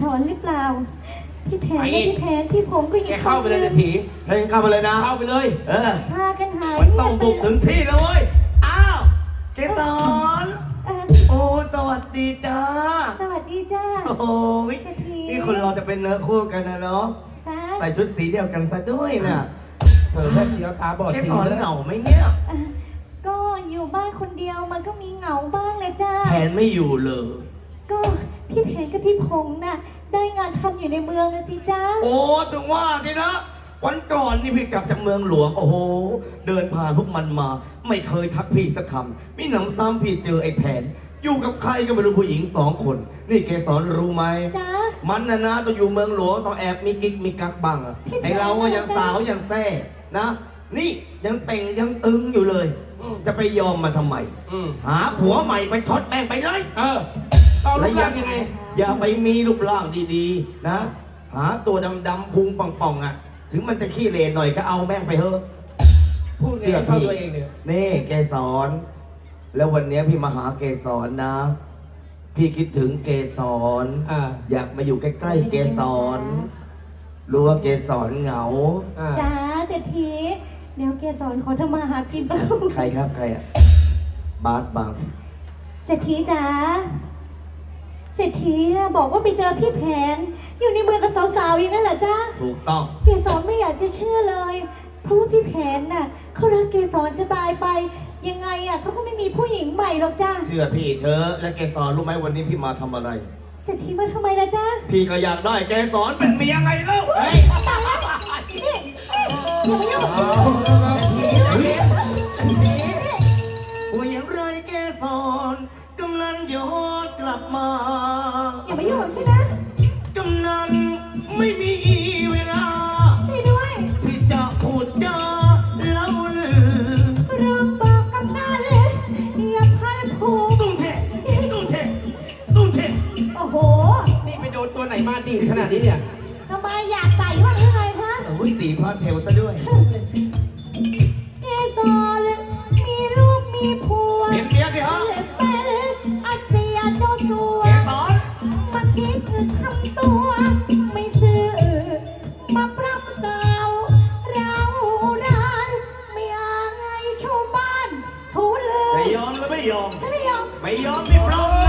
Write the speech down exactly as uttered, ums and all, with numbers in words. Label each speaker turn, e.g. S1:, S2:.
S1: อนหรือเปล่าพี่แผนและพี่แผนพี่ผมก็ยิ
S2: แกเข้าไปเลยเศรษฐี
S3: เฮ้ยเข้ามาเลยนะ
S2: เข้าไปเลย
S3: เออ
S1: พากันหาย
S3: มันต้องบุกถึงที่แล้วเว้ย อ้าว เกสร
S1: เอ่อ
S3: โอ้สวัสดีจ้า
S1: สวัสดีจ้า
S3: โอ้ยนี่คนเราจะเป็นเนื้อคู่กันนะเนาะ
S1: จ้า
S3: ใส่ชุดสีเดียวกันซะด้วยน่ะ
S2: เออแค่เดียวตาบอด
S3: เก
S2: สี
S3: สร
S2: แล้ว
S3: เหงาไหมเนี่ย
S1: เอ่อก็อยู่บ้านคนเดียวมันก็มีเหงาบ้างเลยจ้า
S3: แผนไม่อยู่เลย
S1: ก็พี่แผนกับพี่พงษ์น่ะได้งานทำอยู่ในเมืองนะสิจ้า
S3: โอ้ถึงว่าทีนะ วันก่อนนี่พี่กลับจากเมืองหลวง โอ้โห เดินผ่านพวกมันมา ไม่เคยทักพี่สักคำมีหนำซ้ำพี่เจอไอ้แผน อยู่กับใครก็ไม่รู้ผู้หญิงสองคน นี่เกสรรู้ไหม
S1: จ้า
S3: มันนะนะต้องอยู่เมืองหลวงต้องแอบมีกิ๊กมีกักบ้างอะ
S1: พี่แผน
S3: ไอเราก็ยังสาวยังแซ่นะ นี่ยังเต่งยังตึงอยู่เลย
S2: อืม
S3: จะไปยอมมาทำไม
S2: อืม
S3: หาผัวใหม่ไปช็อตแม่งไปเลย
S2: เออต้องรูปร่างยังไง
S3: อย่าไปมีรูปร่างดีๆ นะ หาตัวดำๆพุงป่องๆอ่ะ ถึงมันจะขี้เหร่หน่อยก็เอาแม่งไปเถอะ
S2: พูดไงให้เข้าตัวเองเนี่ย
S3: นี่เกสร แล้ววันนี้พี่มาหาเกสรนะ พี่คิดถึงเกสร
S2: อ่า
S3: อยากมาอยู่ใกล้ๆเกสร รู้ว่าเกสรเหงา
S2: อ่า
S1: จ้าเศรษฐีเดี๋ยวเกสรขอทำมาหากินสักครู่
S3: ใครครับใครอ่ะ บาสบัง
S1: เศรษฐีจ๋าเศรษฐีนะบอกว่าไปเจอพี่แผน อยู่ในเมืองกับสาวๆอย่างนั้นเหรอจ้า
S3: ถูกต้อง
S1: เกสรไม่อยากจะเชื่อเลย เพราะว่าพี่แผนน่ะเขารักเกสรจะตายไป ยังไงอ่ะเขาก็ไม่มีผู้หญิงใหม่หรอกจ้า
S3: เชื่อพี่เธอะและเกสรรู้ไหมวันนี้พี่มาทำอะไร
S1: เศรษฐีมาทำไมล่ะจ้า
S3: พี่ก็อยากได้เกสรเป็นเมียไงเล่า
S2: เฮ้ย
S1: ตายแล้วนี่อย่ามายุ่ง
S3: ว่าอย่างไรเกสรกำนันย้อนกลับมา
S1: อย่ามายุ่งกับฉันนะ
S3: กำนันไม่มีเวลา
S1: ช่วยด้วย
S3: ที่จะพูดจาเล่าลือ
S1: เริ่มบอกกับหน้าเลยอย่าพันผูก
S3: ตุ้งเชะตุ้งเชะตุ้งเชะ
S1: โอ้โห
S2: นี่ไปโดนตัวไหนมาดีดขนาดนี้เนี่ย
S1: ทำไมอยากใส่บ้างหรือไงคะ
S3: โอ้ยสีพระเทวซะด้วย
S1: เกสรมีลูกมีผัว
S3: เห็นเมียสิฮะ
S1: เป็นอาเซียเจ้าสัว
S3: เกสร
S1: มาคิดทำตัว ไม่ซื่อมาปรับสาวเรารานไม่อายชาวบ้านทูลือ
S3: ไม่ยอมก็ไม่ยอม
S1: ฉันไม่ยอม
S3: ไม่ยอมพี่ปลอม